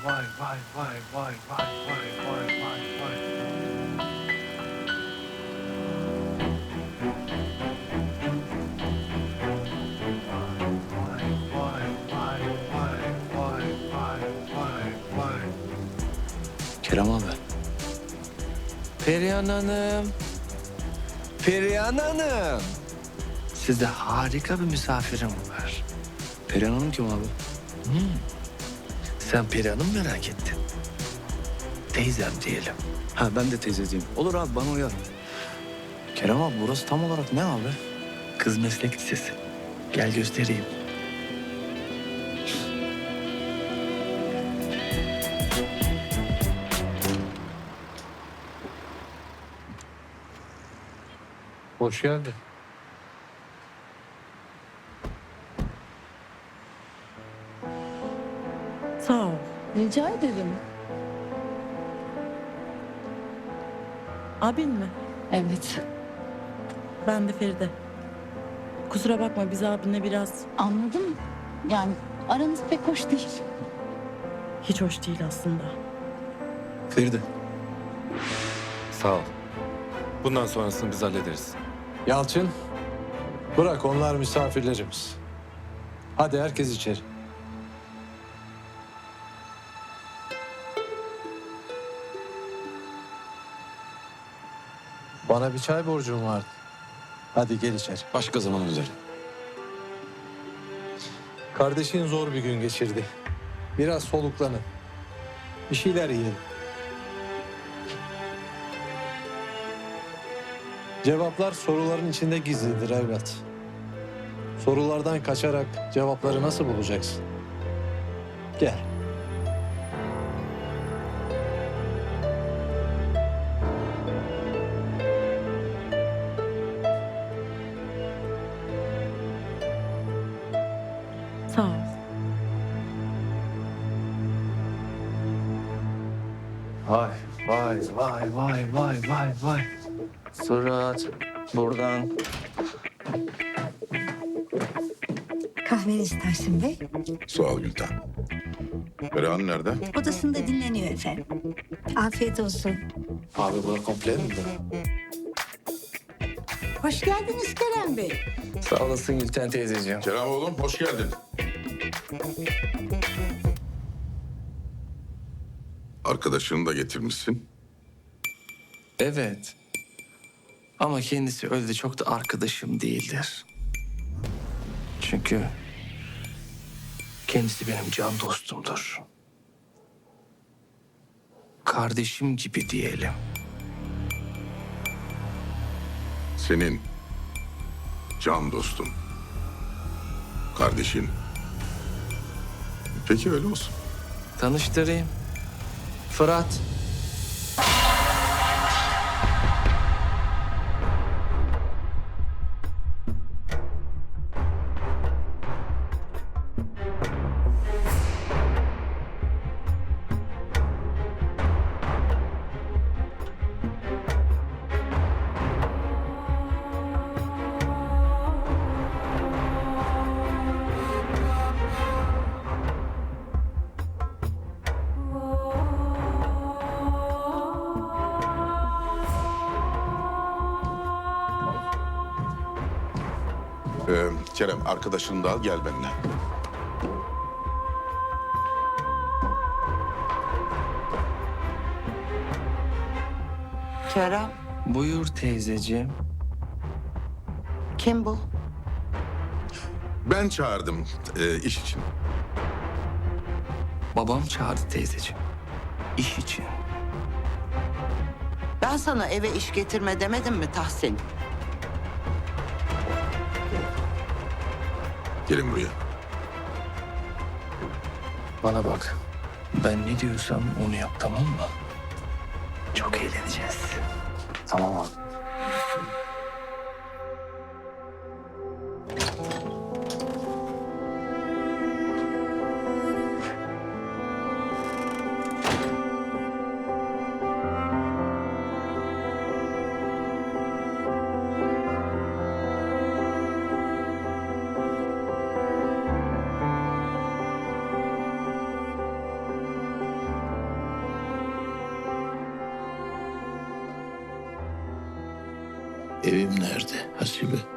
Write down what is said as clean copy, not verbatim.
vay vay vay vay vay vay vay vay vay. Vay vay vay vay vay vay vay vay. Kerem abi. Perihan Hanım. Perihan Hanım. Sizde harika bir misafirim var. Perihan Hanım kim abi? Sen Perihan'ı mı merak ettin? Teyzem diyelim. Ha ben de teyzeciğim. Olur abi bana uyar. Kerem abi burası tam olarak ne abi? Kız Meslek Lisesi. Gel göstereyim. Hoş geldin. Sağ ol. Rica ederim. Abin mi? Evet, Ben de Feride. Kusura bakma biz abinle biraz anladım. Yani aranız pek hoş değil. hiç hoş değil aslında. Feride. Sağ ol. Bundan sonrasını biz hallederiz. Yalçın, bırak onlar misafirlerimiz. Hadi herkes içeri. Bana bir çay borcum vardı. Hadi gel içeri. Başka zaman öderim. Kardeşin zor bir gün geçirdi. Biraz soluklanın. Bir şeyler yiyelim. Cevaplar soruların içinde gizlidir evlat. Sorulardan kaçarak cevapları nasıl bulacaksın? Gel. Sağ ol. Vay vay vay vay vay vay vay. Surat buradan. Kahveniz Tahsin Bey. Sağ ol Gülten. Perihan nerede? Odasında dinleniyor efendim. Afiyet olsun. Abi bu komple mi? Hoş geldiniz Kerem Bey. Sağ olasın Gülten teyzeciğim. Kerem oğlum hoş geldin. Arkadaşını da getirmişsin. Evet. Ama kendisi öyle de çok da arkadaşım değildir. Çünkü kendisi benim can dostumdur. Kardeşim gibi diyelim. Senin can dostun. Kardeşin. Peki öyle olsun. Tanıştırayım. Fırat. Kerem arkadaşını da al gel benimle. Kerem, Buyur teyzeciğim. kim bu? Ben çağırdım iş için. Babam çağırdı teyzeciğim. İş için. Ben sana eve iş getirme demedim mi Tahsin? Gelin buraya. Bana bak. Ben ne diyorsam onu yap tamam mı? Çok eğleneceğiz. Tamam abi. Evim nerede Hasibe?